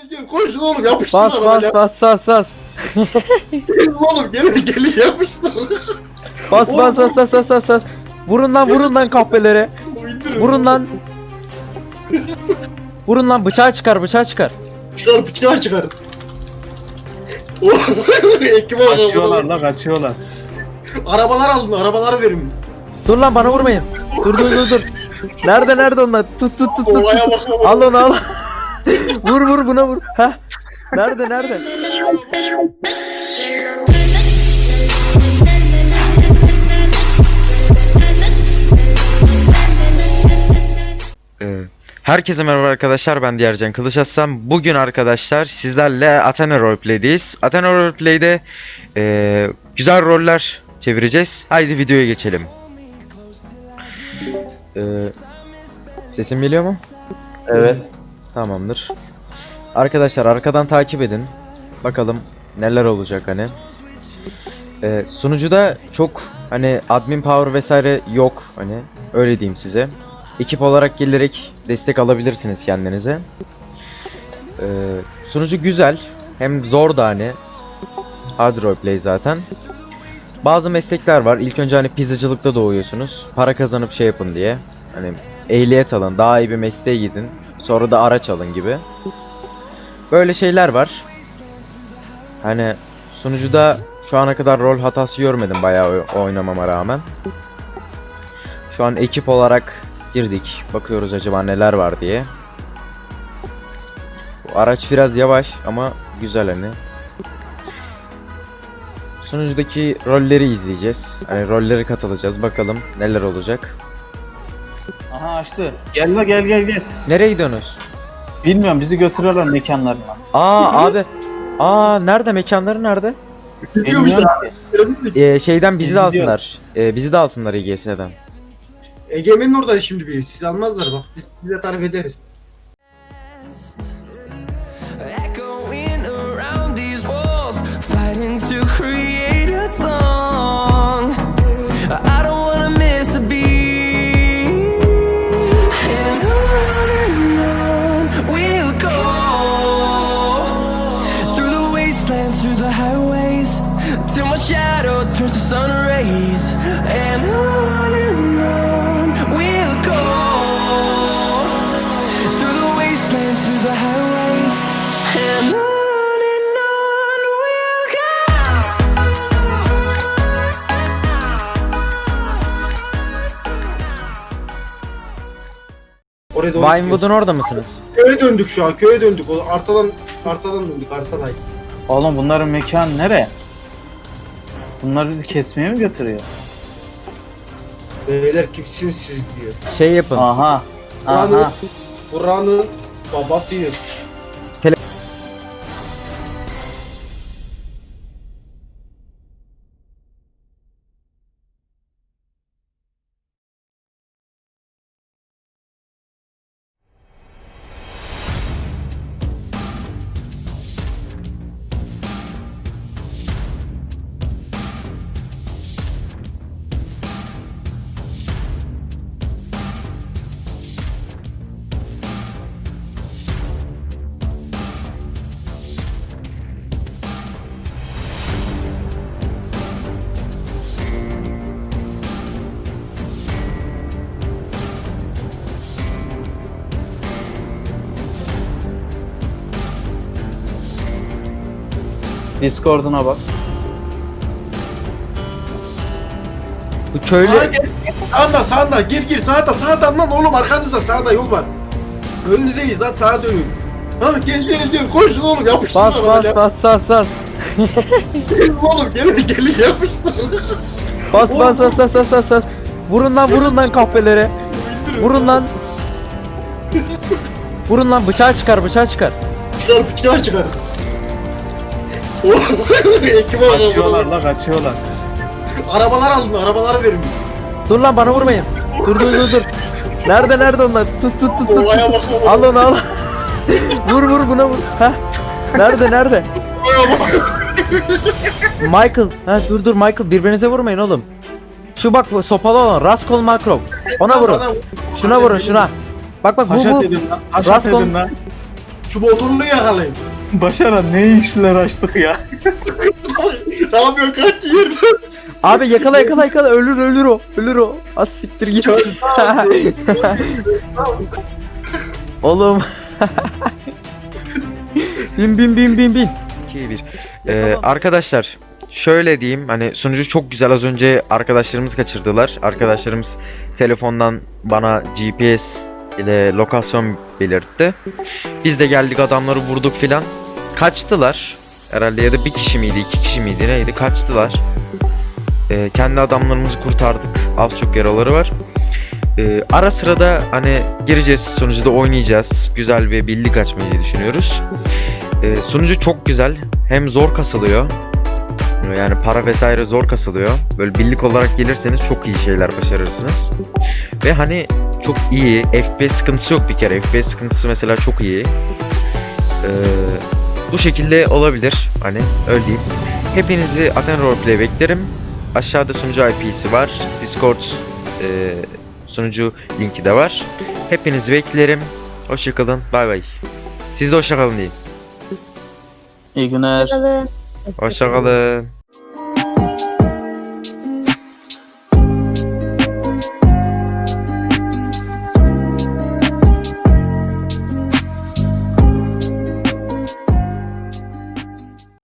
Gel koşun oğlum yapıştır Bas arabaya. bas. Gelin oğlum gelin yapıştır. Bas. Vurun lan kahpelere. İndirin. Vurun lan bıçağı çıkar. Çıkar bıçağı çıkar. Oğlum ekip Kaçıyorlar la kaçıyorlar. Arabalar alın arabaları verin. Dur lan bana vurmayın. Dur. Nerede onlar? Tut. Olaya bak. Al onu al. Vur buna vur. Heh. Nerede? Herkese merhaba arkadaşlar, ben Diyarcan Kılıçaslan. Bugün arkadaşlar sizlerle Athena Roleplay'deyiz. Athena Roleplay'de güzel roller çevireceğiz. Haydi videoya geçelim. Sesim geliyor mu? Evet. Tamamdır. Arkadaşlar arkadan takip edin. Bakalım neler olacak hani. Sunucuda çok hani admin power vesaire yok hani, öyle diyeyim size. Ekip olarak gelerek destek alabilirsiniz kendinize. Sunucu güzel, hem zor da hani. Hard roleplay zaten. Bazı meslekler var. İlk önce hani pizzacılıkta doğuyorsunuz. Para kazanıp şey yapın diye. Hani ehliyet alın, daha iyi bir mesleğe gidin. Sonra da araç alın gibi. Böyle şeyler var. Hani sunucuda şu ana kadar rol hatası görmedim bayağı oynamama rağmen. Şu an ekip olarak girdik. Bakıyoruz acaba neler var diye. Bu araç biraz yavaş ama güzel hani. Sunucudaki rolleri izleyeceğiz. Hani rolleri katılacağız. Bakalım neler olacak. Aha açtı. Gel la gel. Nereye gidiyorsunuz? Bilmiyorum, bizi götürüyorlar mekanlarına. Abi. Nerede? Mekanları nerede? Gidiyormuşlar. Şeyden bizi de Gidiyor. alsınlar. Bizi de alsınlar İGS'den. Egemen'in orada şimdi bir. Siz almazlar bak. Biz size tarif ederiz. Echoing around these walls, fighting to create a song. I don't wanna miss a beat, and on we'll go through the wastelands, through the highways, till my shadow turns to sun rays, and on we'll go through the wastelands, through the highways, and on we'll go. Oraya doğru Vinewood'un orada mısınız? köye döndük şu an. Köye döndük. O artadan döndük. Artadayız. Oğlum bunların mekan nere? Bunlar bizi kesmeye mi götürüyor? Beyler kimsiniz siz diyor. Şey yapın. Aha. Buranın babasıyız. Discord'una bak. Bu köylü Gel. Sağda gir sağdan lan oğlum, arkanızda sağda yol var. Önünüzeyiz lan, sağa dönün. Gel koşun oğlum yapıştır arabaya. bas. Gelin oğlum gelin yapıştır. Bas. Vurun lan kahpelere. Vurun lan bıçağı çıkar. Çıkar bıçağı çıkar. Oğlum ekip Kaçıyorlar la kaçıyorlar. Arabalar alın arabaları verin. Dur lan bana vurmayın. Dur. Nerede onlar? Tut. Olaya bak. Al onu al. Vur buna vur. Heh. Nerede? Olaya bak. Michael. Dur Michael, birbirinize vurmayın oğlum. Şu bak sopalı olan Raskol Makrov. Ona vurun. Şuna vurun şuna. Bak bu. Haşat edin lan. Haşat Raskol- edin lan. Şu motorunu yakalayın. Başaran ne işler açtık ya. Ne yapıyor kaç yerde? Abi yakala ölür o. Ölür o. Az siktir git. Oğlum. bin. 2-1. Arkadaşlar şöyle diyeyim, hani sunucu çok güzel, az önce arkadaşlarımız kaçırdılar. Arkadaşlarımız telefondan bana GPS ile lokasyon belirtti. Biz de geldik, adamları vurduk filan. Kaçtılar. Herhalde ya da bir kişi miydi, iki kişi miydi, neydi, kaçtılar. Kendi adamlarımızı kurtardık. Az çok yaraları var. Ara sırada hani gireceğiz, sunucuda oynayacağız. Güzel bir birlik açmayı düşünüyoruz. Sunucu çok güzel. Hem zor kasılıyor. Yani para vesaire zor kasılıyor. Böyle birlik olarak gelirseniz çok iyi şeyler başarırsınız. Ve hani çok iyi. FPS sıkıntısı yok bir kere. FPS sıkıntısı mesela çok iyi. Bu şekilde olabilir. Hani öyle diyeyim. Hepinizi Athena Roleplay beklerim. Aşağıda sunucu IP'si var. Discord sunucu linki de var. Hepinizi beklerim. Hoşçakalın. Bay bay. Siz de hoşçakalın deyin. İyi günler. Hoşçakalın.